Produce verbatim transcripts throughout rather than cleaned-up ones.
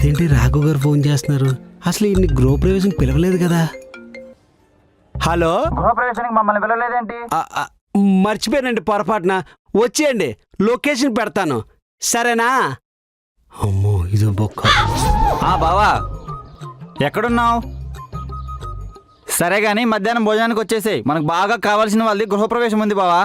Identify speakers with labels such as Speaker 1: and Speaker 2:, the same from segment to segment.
Speaker 1: ఇదేంటి రాఘు గారు ఫోన్ చేస్తున్నారు? అసలు ఇన్ని గృహప్రవేశం పిలవలేదు కదా. హలో,
Speaker 2: గృహప్రవేశానికి మమ్మల్ని పిలవలేదేంటి?
Speaker 1: మర్చిపోయానండి పొరపాటున. వచ్చేయండి, లొకేషన్ పెడతాను, సరేనా? అమ్మో ఇదో బొక్క.
Speaker 2: బావా ఎక్కడున్నావు? సరే గాని మధ్యాహ్నం భోజనానికి వచ్చేసేయ్. మనకు బాగా కావాల్సిన వాళ్ళది గృహప్రవేశం ఉంది బావా.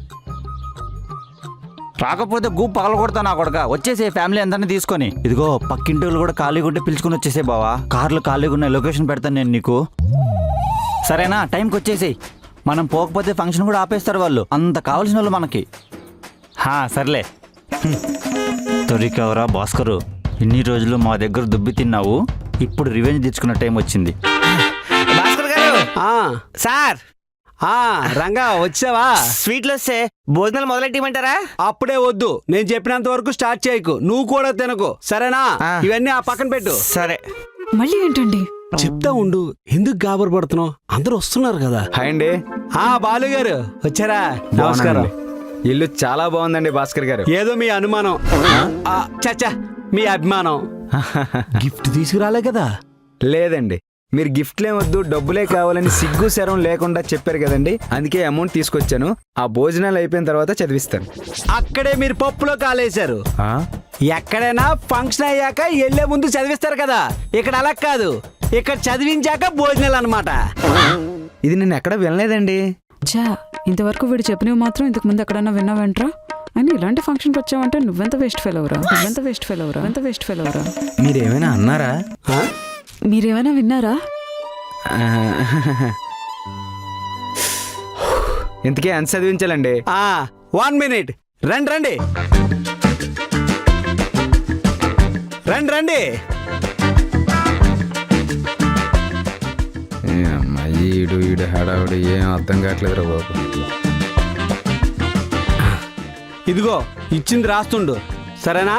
Speaker 2: రాకపోతే గూ పగల కొడతా నా కొడక. వచ్చేసే ఫ్యామిలీ అందరినీ తీసుకొని. ఇదిగో పక్కింటి వాళ్ళు కూడా ఖాళీగా ఉంటే పిలుచుకుని వచ్చేసే బావా. కార్లు ఖాళీగా ఉన్నాయి, లొకేషన్ పెడతాను నేను నీకు, సరేనా? టైంకి వచ్చేసేయ్. మనం పోకపోతే ఫంక్షన్ కూడా ఆపేస్తారు వాళ్ళు, అంత కావాల్సిన వాళ్ళు మనకి. హా సర్లే. దొరికావురా భాస్కరు, ఇన్ని రోజులు మా దగ్గర దుబ్బి తిన్నావు, ఇప్పుడు రివెంజ్ తెచ్చుకున్న టైం వచ్చింది.
Speaker 3: భాస్కర్ గారు సార్,
Speaker 1: రంగా వచ్చావా?
Speaker 3: స్వీట్లు వస్తే భోజనాలు మొదలెట్టమంటారా?
Speaker 1: అప్పుడే వద్దు, నేను చెప్పినంత వరకు స్టార్ట్ చేయకు, నువ్వు కూడా తినకు, సరేనా? ఇవన్నీ ఆ పక్కన పెట్టు.
Speaker 3: సరే.
Speaker 4: మళ్ళీ ఏంటండి?
Speaker 1: చెప్తా ఉండు, ఎందుకు గాబరు పడుతున్నావు? అందరూ వస్తున్నారు కదా.
Speaker 5: హాయ్ అండి.
Speaker 1: ఆ బాలు గారు వచ్చారా? నమస్కారం.
Speaker 5: ఇల్లు చాలా బాగుందండి భాస్కర్ గారు.
Speaker 1: ఏదో మీ అనుమానం, చచ్చా మీ అభిమానం. గిఫ్ట్ తీసుకురాలే కదా?
Speaker 5: లేదండి, మీరు గిఫ్ట్లే వద్దు డబ్బులే కావాలని సిగ్గు శరం లేకుండా చెప్పారు కదండి, అందుకే అమౌంట్ తీసుకొచ్చాను. ఆ భోజనాలు అయిపోయిన తర్వాత చదివిస్తాను.
Speaker 1: అక్కడే మీరు పప్పులో కాలేశారు. ఎక్కడైనా ఫంక్షన్ అయ్యాక వెళ్లే ముందు చదివిస్తారు కదా, ఇక్కడ అలా కాదు, ఇక్కడ చదివించాక భోజనాలు అన్నమాట.
Speaker 5: ఇది నేను ఎక్కడ వినలేదండి.
Speaker 4: చా, ఇంతవరకు వీడు చెప్పినవి మాత్రం ఇంతకు ముందు ఎక్కడన్నా విన్నావంట్రా? అని ఇలాంటి ఫంక్షన్కి వచ్చావంటే నువ్వెంత వేస్ట్ ఫెయిల్ అవరా, నువ్వెంత వేస్ట్ ఫెయిల్ అవరా, ఎంత వేస్ట్ ఫెయిల్ అవరా.
Speaker 5: మీరేమైనా అన్నారా?
Speaker 4: మీరేమైనా విన్నారా?
Speaker 5: ఇంతకీ ఎంత చదివించాలండి?
Speaker 1: వన్ మినిట్, రండి రండి రండి రండి.
Speaker 5: అమ్మాయి ఈడు ఈడు హడావుడు ఏం అర్థం కావట్లేదు రా బాబు.
Speaker 1: ఇదిగో ఇచ్చింది రాస్తుండు, సరేనా?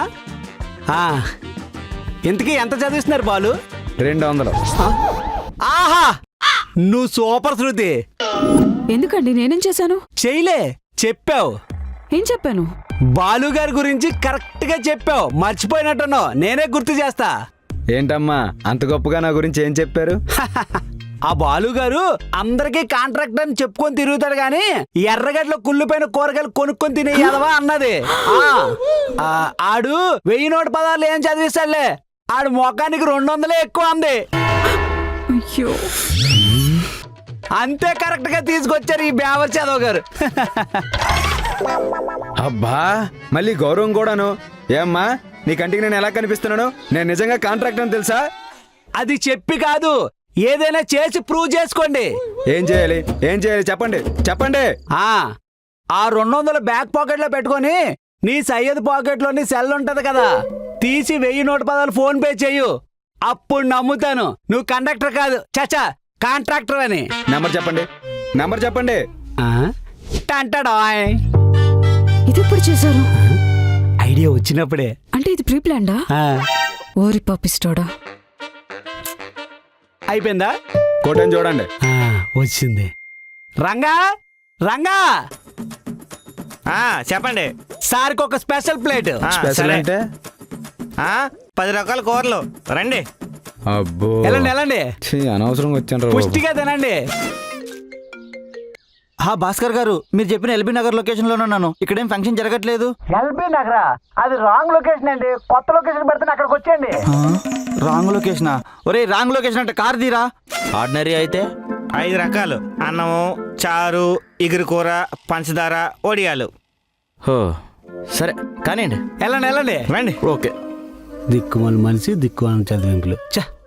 Speaker 1: ఇంతకీ ఎంత చదివిస్తున్నారు బాలు?
Speaker 5: రెండు వందలు.
Speaker 1: ఆహా, నువ్వు సూపర్ శృతి.
Speaker 4: ఎందుకండి, నేనేం చేశాను?
Speaker 1: చేయలే, చెప్పావు.
Speaker 4: ఏం చెప్పాను?
Speaker 1: బాలు గారి గురించి కరెక్ట్ గా చెప్పావు, మర్చిపోయినట్టున్నావు, నేనే గుర్తు చేస్తా.
Speaker 5: ఏంటమ్మా అంత గొప్పగా నా గురించి ఏం చెప్పారు?
Speaker 1: ఆ బాలు గారు అందరికీ కాంట్రాక్ట్ అని చెప్పుకొని తిరుగుతాడు గాని ఎర్రగడ్డలో కుళ్ళిపోయిన కూరగాయలు కొనుక్కొని తినేయాలవా అన్నది. ఆడు వెయ్యి నూట పదార్లు ఏం చదివిస్తాడులే, ఆడు మొఖానికి రెండు వందలే ఎక్కువ అంది.
Speaker 4: అయ్యో,
Speaker 1: అంతే కరెక్ట్ గా తీసుకొచ్చారు ఈ బేవర్ చదవ గారు.
Speaker 5: అబ్బా, మళ్ళీ గౌరవం కూడాను. ఏమ్మా నీ కంటికి నేను ఎలా కనిపిస్తున్నాను? నేను నిజంగా కాంట్రాక్ట్ అని తెలుసా?
Speaker 1: అది చెప్పి కాదు, ఏదైనా చేసి ప్రూవ్ చేసుకోండి.
Speaker 5: ఏం చేయాలి ఏం చేయాలి చెప్పండి చెప్పండి.
Speaker 1: ఆ రెండు వందల బ్యాక్ పాకెట్ లో పెట్టుకొని నీ సయ్యద్ పాకెట్ లోని సెల్ ఉంటది కదా, తీసి వెయ్యి నూట పదాలు ఫోన్ పే చెయ్యు, అప్పుడు నమ్ముతాను నువ్వు కండక్టర్ కాదు, చచా కాంట్రాక్టర్ అని.
Speaker 5: నెంబర్ చెప్పండి నెంబర్ చెప్పండి.
Speaker 1: టంటడాయ్.
Speaker 4: ఇది ఎప్పుడు చేశారు?
Speaker 1: ఐడియా వచ్చినప్పుడే.
Speaker 4: అంటే ఇది ప్రీ ప్లాన్డా? ఓరి పాపిస్టోడా.
Speaker 1: అయిపోయిందా?
Speaker 5: కోటని చూడండి.
Speaker 1: వచ్చింది. రంగా రంగా
Speaker 3: చెప్పండి.
Speaker 1: సార్కి ఒక స్పెషల్ ప్లేట్.
Speaker 5: స్పెషల్ అంటే
Speaker 3: పది రకాల కూరలు. రండి.
Speaker 5: అబ్బో,
Speaker 1: వెళ్ళండి వెళ్ళండి,
Speaker 5: అనవసరంగా వచ్చాను.
Speaker 1: పుష్టిగా తినండి.
Speaker 2: భాస్కర్ గారు, మీరు చెప్పిన ఎల్బీ నగర్ లొకేషన్ లోనే ఉన్నాను, ఇక్కడేం ఫంక్షన్ జరగట్లేదు.
Speaker 1: ఎల్బీ నగరా? అది రాంగ్ లొకేషన్ అండి, కొత్త లొకేషన్ పెడితే అక్కడికి వచ్చేయండి.
Speaker 2: రాంగ్ లొకేషనా? ఒరే రాంగ్ లొకేషన్ అంటే కార్ తీరా. ఆర్డినరీ అయితే
Speaker 3: ఐదు రకాలు: అన్నము, చారు, ఇగురు కూర, పంచదార, ఒడియాలు.
Speaker 2: హో సరే కానివ్వండి.
Speaker 1: వెళ్ళండి వెళ్ళండి
Speaker 3: రండి.
Speaker 2: ఓకే.
Speaker 1: దిక్కుమాల మనిషి దిక్కుమాల చదివింపులు. చ